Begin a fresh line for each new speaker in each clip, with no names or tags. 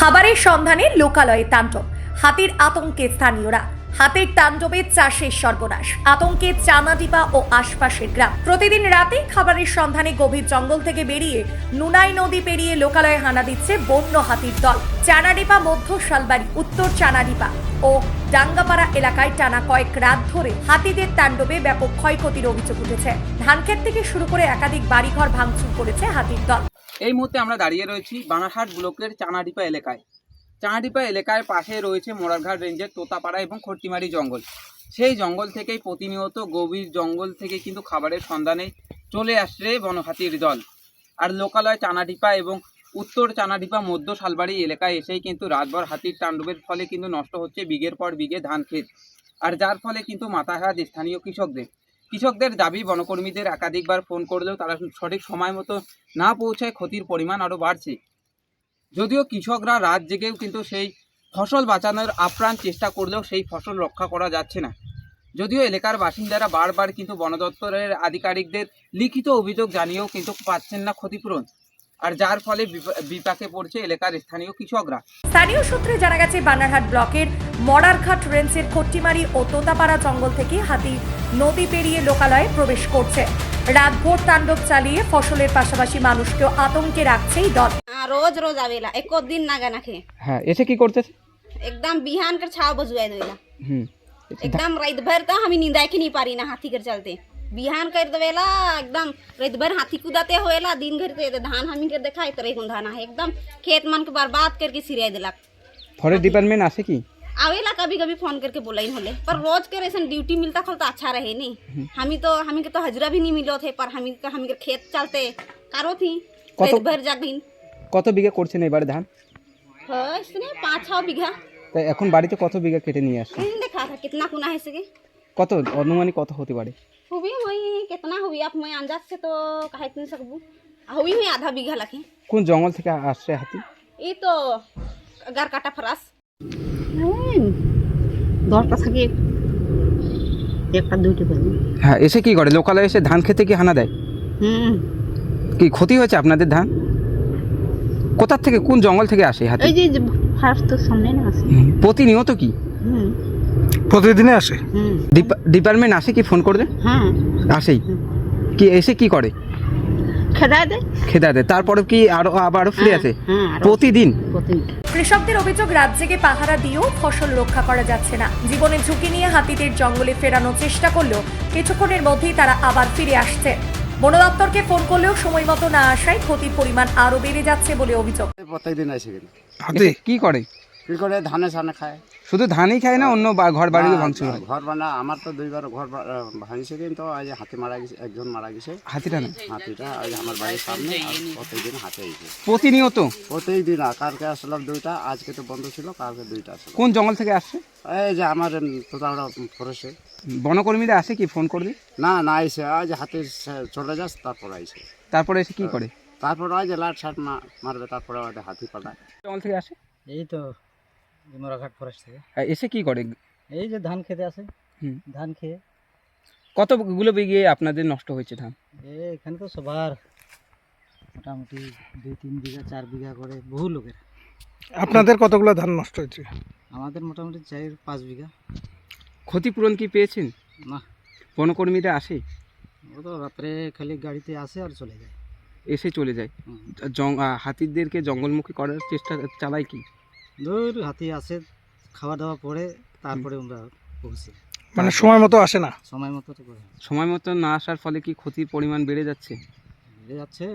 খাবারের সন্ধানে লোকালয়ে তাণ্ডব, হাতির আতঙ্কে স্থানীয়রা। হাতির তাণ্ডবে চাষের সর্বনাশ, আতঙ্কে চানাডিপা ও আশপাশের গ্রাম। প্রতিদিন রাতে খাবারের সন্ধানে গভীর জঙ্গল থেকে বেরিয়ে নুনাই নদী পেরিয়ে লোকালয়ে হানা দিচ্ছে বন্য হাতির দল। চানাডিপা, মধ্য শালবাড়ি, উত্তর চানাডিপা ও ডাঙ্গাপাড়া এলাকায় টানা কয়েক রাত ধরে হাতিদের তাণ্ডবে ব্যাপক ক্ষয়ক্ষতির অভিযোগ উঠেছে। ধানক্ষেত থেকে শুরু করে একাধিক বাড়িঘর ভাঙচুর করেছে হাতির দল।
এই মুহূর্তে আমরা দাঁড়িয়ে রয়েছি বানারহাট ব্লকের চানাডিপা এলাকায়। চানাডিপা এলাকার পাশে রয়েছে মোরারঘাট রেঞ্জের তোতাপাড়া এবং খট্টিমারি জঙ্গল। সেই জঙ্গল থেকেই প্রতিনিয়ত গভীর জঙ্গল থেকে কিন্তু খাবারের সন্ধানে চলে আসছে বনহাতির দল। আর লোকালয় চানাডিপা এবং উত্তর চানাডিপা, মধ্য শালবাড়ি এলাকায় এসেই কিন্তু রাতভর হাতির তাণ্ডবের ফলে কিন্তু নষ্ট হচ্ছে বিঘের পর বিঘে ধান ক্ষেত। আর যার ফলে কিন্তু মাথাঘাত স্থানীয় কৃষকদের দাবি, বনকর্মীদের একাধিকবার ফোন করলেও তারা সঠিক সময় মতো না পৌঁছায় ক্ষতির পরিমাণ আরও বাড়ছে। যদিও কৃষকরা রাত জেগেও কিন্তু সেই ফসল বাঁচানোর আপ্রাণ চেষ্টা করলেও সেই ফসল রক্ষা করা যাচ্ছে না। যদিও এলাকার বাসিন্দারা বারবার কিন্তু বন দপ্তরের আধিকারিকদের লিখিত অভিযোগ জানিয়েও কিন্তু পাচ্ছেন না ক্ষতিপূরণ, আর যার ফলে বিপাকে পড়ছে এলাকার স্থানীয় কৃষকরা।
স্থানীয় সূত্রে জানা গেছে, বানারহাট ব্লকের মোরারঘাট রেঞ্জের খট্টিমারি ও তোতাপাড়া জঙ্গল থেকে হাতি নদী পেরিয়ে লোকালয়ে প্রবেশ করছে। রাতভর তাণ্ডব চালিয়ে ফসলের পাশাপাশি মানুষকেও আতঙ্কে রাখছে এই দল।
रोज रोज आवेला, एको दिन ना गना खे।
হ্যাঁ, এসে কি করতেছে?
एकदम बिहान कर छाव बजुआ देवेला। एकदम रात भर तो हम नींद के नहीं पारी ना हाथी कर चलते। बिहान कर देवेला, एकदम रात भर हाथी कुदाते होएला, दिन घर ते धान हमी कर देखाई तरे गुंधाना है। एकदम खेत मन के बर्बाद करके सिरिया देला।
फॉरेस्ट डिपार्टमेंट आसे की
आवेला, कभी कभी फोन करके बोलाई होले, पर रोज के ऐसा ड्यूटी मिलता खल तो अच्छा रहे नहीं। हमी के तो हजरा भी नहीं मिलो थे, पर हमी के खेत चलते कारो थी रात भर जागिन।
কত বিঘা করছেন এবারে ধান?
हाँ, इसने 5-6 बीघा।
তাই এখন বাড়িতে কত বিঘা কেটে নিয়ে আসছেন?
देखा था कितना कुना है सके,
কত অনুমানিক কত হতে পারে?
हुई मैं कितना हुई आप मैं अंदाज से तो कह नहीं सकूँ। हुई आधा बीघा लखे।
কোন জঙ্গল থেকে আসছে হাতি?
ये तो अगर काटा फरास दौड़ता था कि एक का दुटी बनी।
হ্যাঁ, এসে কি করে? লোকালয়ে এসে ধান খেতে কি হানা দেয়? কি ক্ষতি হয়েছে আপনাদের ধান? কোথা থেকে, কোন জঙ্গল থেকে আসে হাতি?
এই যে ফার্স্ট তো সামনে না আছে।
প্রতিনিয়ত কি
প্রতিদিনে আসে?
ডিপার্টমেন্ট আসে কি ফোন করলে?
হ্যাঁ,
আসেই। কি এসে কি করে?
খেদা দেয়।
তারপরে কি আবারও ফিরে আসে প্রতিদিন?
কৃষকদের অভিযোগ, রাত জেগে পাহারা দিয়েও ফসল রক্ষা করা যাচ্ছে না। জীবনের ঝুঁকি নিয়ে হাতিদের জঙ্গলে ফেরানোর চেষ্টা করলেও কিছুক্ষণের মধ্যেই তারা আবার ফিরে আসছে। বন দপ্তরকে ফোন করলেও সময় মতো না আসায় ক্ষতির পরিমাণ আরো বেড়ে যাচ্ছে বলে অভিযোগ।
প্রত্যেকদিন আসে কিন্তু
এসে কি করে?
কি করে ধানে সানে খায়।
শুধু ধানই খায় না, অন্য ঘর বাড়িও ভাঙচুর হয়?
ঘর বানা আমার তো দুইবার ঘর ভাঙিছে, কিন্তু আজ হাতি মারা গেছে, একজন মারা গেছে।
হাতিটা না,
হাতিটা আজ আমার বাড়ির সামনে। আর প্রত্যেকদিন হাতে আইছে,
প্রতিনিয়ত
প্রত্যেকদিন। কালকে আসলাম দুইটা, আজকে তো বন্ধ ছিল, কালকে দুইটা আসলো।
কোন জঙ্গল থেকে আসছে?
এই যে আমার তোতাড়া ফরেস্টে।
বনকর্মীরা আসে কি ফোন করলে?
না আইসে, আজ হাতে চলে যাস, তারপর আইসে।
তারপরে এসে কি করে?
তারপর আজ লাট শাট মারবে, তারপরে ওদের হাতি পাঠায়।
জঙ্গল থেকে আসে?
এই তো মোরারঘাট ফরেস্ট থেকে।
এসে কি করে?
এই যে ধান খেতে আসে, ধান খেয়ে।
কতগুলো বিঘে আপনাদের নষ্ট হয়েছে ধান?
এখানে তো সবার মোটামুটি 2-3 বিঘা 4 বিঘা করে বহু লোকের।
আপনাদের কতগুলো ধান নষ্ট হয়েছে?
আমাদের মোটামুটি 4-5 বিঘা।
ক্ষতিপূরণ কি পেয়েছেন?
না,
বনকর্মীরা আসে?
ও তো রাত্রে খালি গাড়িতে আসে আর চলে যায়।
এসে চলে যায়। হাতিদেরকে জঙ্গলমুখী করার চেষ্টা চালায় কি?
দূর হাতি আসে, খাওয়া দাওয়া পরে তারপরে আমরা পৌঁছি।
মানে সময় মতো আসে না?
সময় মতো তো করে
সময় মতো না আসার ফলে কি ক্ষতির পরিমাণ বেড়ে যাচ্ছে?
বেড়ে যাচ্ছে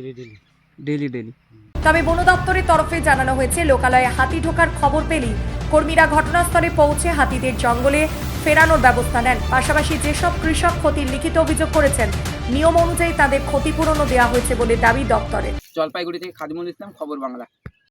ডেলি।
তবে বন দপ্তরের তরফে জানানো হয়েছে, লোকালয়ে হাতি ঢোকার খবর পেলেই কর্মীরা ঘটনাস্থলে পৌঁছে হাতিদের জঙ্গলে ফেরানোর ব্যবস্থা নেন। পাশাপাশি যেসব কৃষক ক্ষতির লিখিত অভিযোগ করেছেন, নিয়ম অনুযায়ী তাদের ক্ষতিপূরণও দেওয়া হয়েছে বলে দাবি দপ্তরের।
জলপাইগুড়ি থেকে খাদিমুল ইসলাম, খবর বাংলা।